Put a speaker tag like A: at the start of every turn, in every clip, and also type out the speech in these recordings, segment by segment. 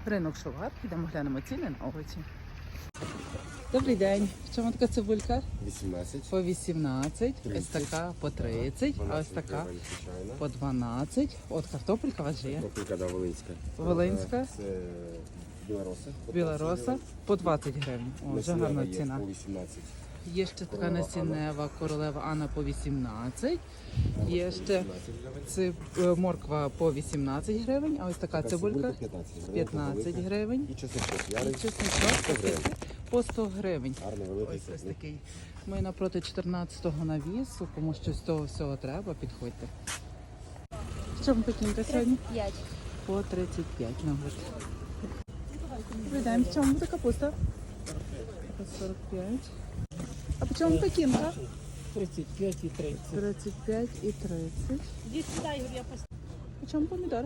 A: Ринок Шовар, підемо глянемо ціни на овочі. Добрий день. В чому така цибулька?
B: 18.
A: По 18,
B: 30.
A: ось така по 30, а ось така по 12. От картопелька у вас же є.
B: Картопелька, да, волинська.
A: Волинська.
B: Це білороса.
A: Білороса по 20 гривень. О, вже гарна
B: Є
A: ціна.
B: по 18.
A: Є ще така насіннева королева Анна по 18. Є ще морква по 18 гривень, а ось така цибулька 15 гривень.
B: І чесночок.
A: І чесночок по 100 гривень.
B: Гарно великий.
A: Ось такий. Ми напроти 14-го навісу, кому щось з того всього треба, підходьте. В чому пекінка сьогодні?
C: 5.
A: По 35 на год. Добрий день, в чому буде капуста? По 45. А по чому пекінка?
D: 35 і 30.
A: 35 і 30.
C: Іди сюди, Ігор, я поставлю.
A: По чому помідор?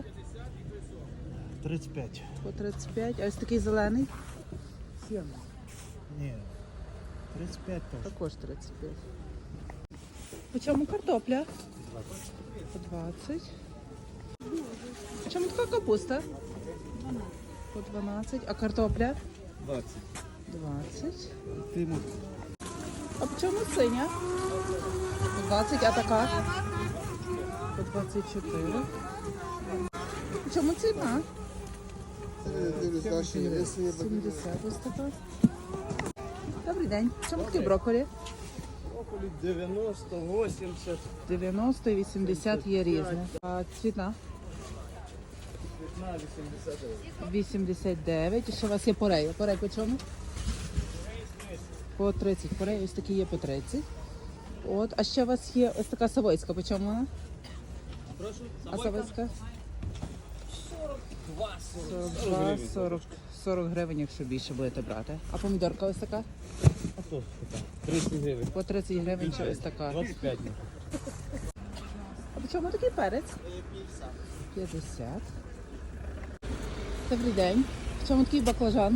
D: 35.
A: По 35. А ось такий зелений?
D: 7. Ні. 35 теж.
A: Також 35. По чому картопля? По 20. По чому така капуста? По 12. А картопля?
D: 20.
A: 20.
D: Тимур.
A: А по чому синя? По 20, а така? По 24. По чому ціна? 70 ось така. Добрий день. В чому такі брокколі?
D: Около 90, 80.
A: 90 і 80 є різне. А ціна?
D: 15, 80.
A: 89. І ще у вас є порея. Порей по чому? По 30. Порей ось такі є по 30. От. А ще у вас є ось така савойська. По чому вона?
D: Прошу?
A: А савойська?
D: 42,
A: 40 гривень, якщо більше будете брати. А помідорка ось така?
D: А то така? 30 гривень.
A: По 30 гривень чи ось така.
D: 25.
A: А по чому такий перець? 50. Добрий день. В чому такий баклажан?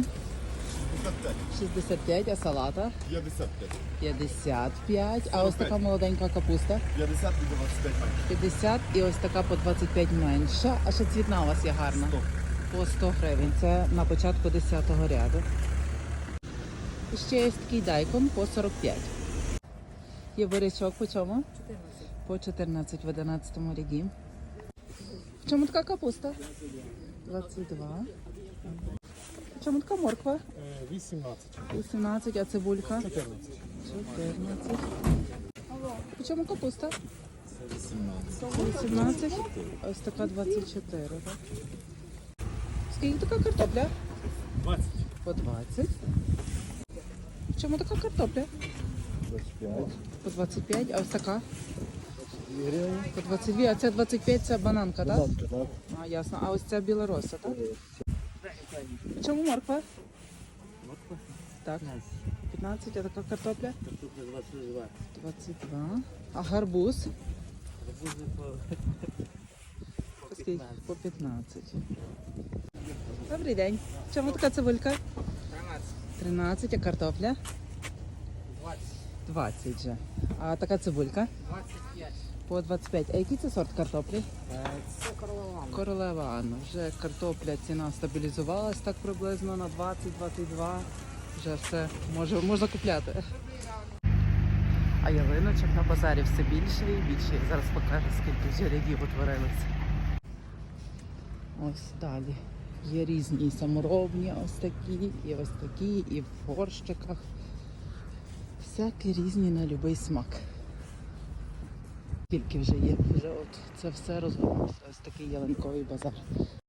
A: 65, а салата?
B: 55.
A: 55. А ось така молоденька капуста?
B: 50 і 25.
A: 50 і ось така по 25 менша. А ще цвітна у вас є гарна? По 100 гривень. Це на початку 10-го ряду. І ще є такий дайкон по 45. Є бурячок по чому?
C: 14.
A: По 14 в 11-му ряді. В чому така капуста? 22. В чому така морква?
D: 18.
A: 18, а цибулька?
D: 14.
A: 14. В чому капуста? 18. Ось така 24. Так? Скільки така картопля?
D: 20.
A: По 20. В чому така картопля?
D: 25.
A: По 25, а ось така?
D: 2 гривні.
A: По 22, а це 25, це бананка, так?
D: Так.
A: А, ясно. А ось ця білороса, так? В чому морква?
D: Морква.
A: Так. 15, а така картопля?
D: Картопля 22.
A: 22. А гарбуз?
D: Арбузи по
A: Скільки? По 15. Добрий день. В чому така цибулька? 13, а картопля?
D: 20.
A: 20 же. А така цибулька?
D: 25.
A: По 25. А який це сорт картоплі?
D: Це королева.
A: Королева Анна. Вже картопля ціна стабілізувалась так приблизно на 20-22. Вже все можна купляти. А ялиночок на базарі все більше і більше. Я зараз покажу, скільки вже рядів утворилося. Ось далі. Є різні і саморобні ось такі, і ось такі, і в горщиках. Всякі різні на будь-який смак. Скільки вже є, вже от це все розгорнувся. Ось такий ялинковий базар.